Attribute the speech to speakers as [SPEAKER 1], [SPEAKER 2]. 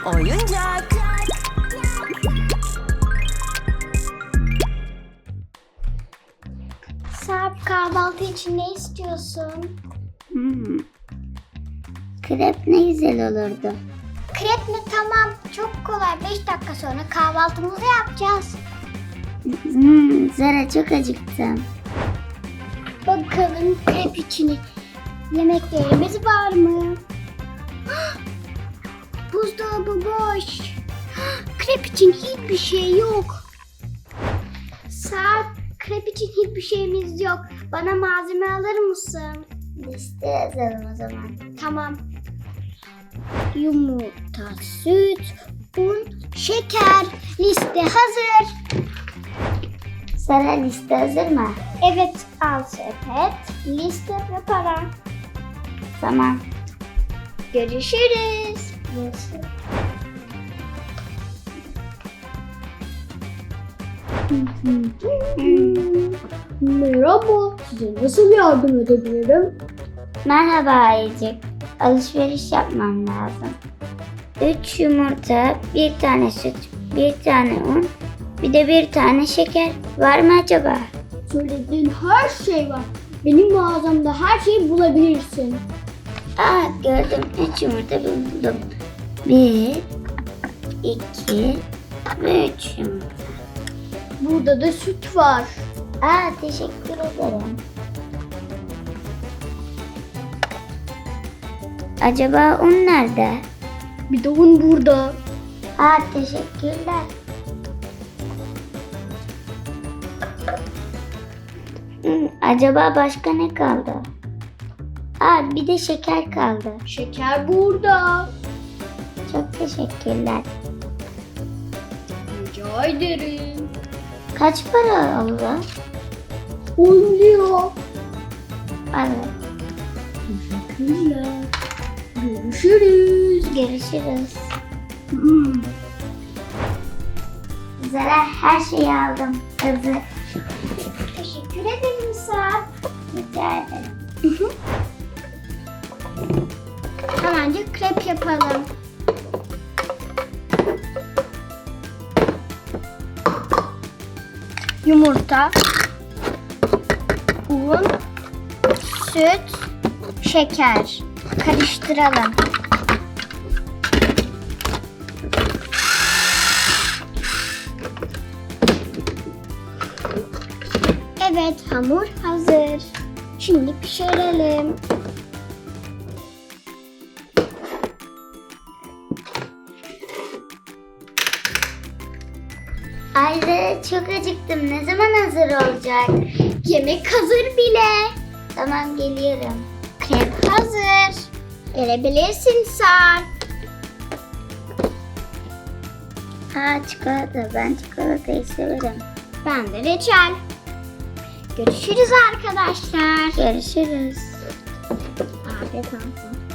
[SPEAKER 1] oyuncak.
[SPEAKER 2] Sarp, kahvaltı için ne istiyorsun?
[SPEAKER 3] Krep ne güzel olurdu.
[SPEAKER 2] Krep mi? Tamam. Çok kolay. 5 dakika sonra kahvaltımızı yapacağız.
[SPEAKER 3] Zara çok acıktım.
[SPEAKER 2] Bakalım krep için yemeklerimiz var mı? Buzdolabı boş. Krep için hiçbir şey yok. Sarp, krep için hiçbir şeyimiz yok. Bana malzeme alır mısın?
[SPEAKER 3] Liste yazalım o zaman.
[SPEAKER 2] Tamam. Yumurta, süt, un, şeker. Liste hazır.
[SPEAKER 3] Zara liste hazır mı?
[SPEAKER 2] Evet, al sepet, liste ve para.
[SPEAKER 3] Tamam.
[SPEAKER 2] Görüşürüz.
[SPEAKER 3] Görüşürüz.
[SPEAKER 2] Merhaba, size nasıl yardım edebilirim?
[SPEAKER 3] Merhaba Ayıcık. Alışveriş yapmam lazım. 3 yumurta, 1 tane süt, 1 tane un, bir de 1 tane şeker. Var mı acaba?
[SPEAKER 2] Söylediğin her şey var. Benim mağazamda her şeyi bulabilirsin.
[SPEAKER 3] Aa, gördüm. 3 yumurta buldum. 1, 2 ve 3 yumurta.
[SPEAKER 2] Burada da süt var.
[SPEAKER 3] Aa, teşekkür ederim. Acaba un nerede?
[SPEAKER 2] Bir de un burada.
[SPEAKER 3] Aa, teşekkürler. Acaba başka ne kaldı? Aa, bir de şeker kaldı.
[SPEAKER 2] Şeker burada.
[SPEAKER 3] Çok teşekkürler.
[SPEAKER 2] Rica ederim.
[SPEAKER 3] Kaç para oldu?
[SPEAKER 2] 10 lira.
[SPEAKER 3] Evet.
[SPEAKER 2] Teşekkürler. Görüşürüz.
[SPEAKER 3] Görüşürüz. Zara, her şeyi aldım. Hazır.
[SPEAKER 2] Teşekkür ederim Sarp.
[SPEAKER 3] Rica ederim.
[SPEAKER 2] Hemencik krep yapalım. Yumurta, un, süt, şeker. Karıştıralım. Evet, hamur hazır. Şimdi pişirelim.
[SPEAKER 3] Ay Zara, çok acıktım. Ne zaman hazır olacak?
[SPEAKER 2] Yemek hazır bile.
[SPEAKER 3] Tamam, geliyorum.
[SPEAKER 2] Krep hazır. Gelebilirsin Sarp.
[SPEAKER 3] Aa, çikolata. Ben çikolatayı severim.
[SPEAKER 2] Ben de reçel. Görüşürüz arkadaşlar.
[SPEAKER 3] Görüşürüz.
[SPEAKER 2] Afiyet olsun.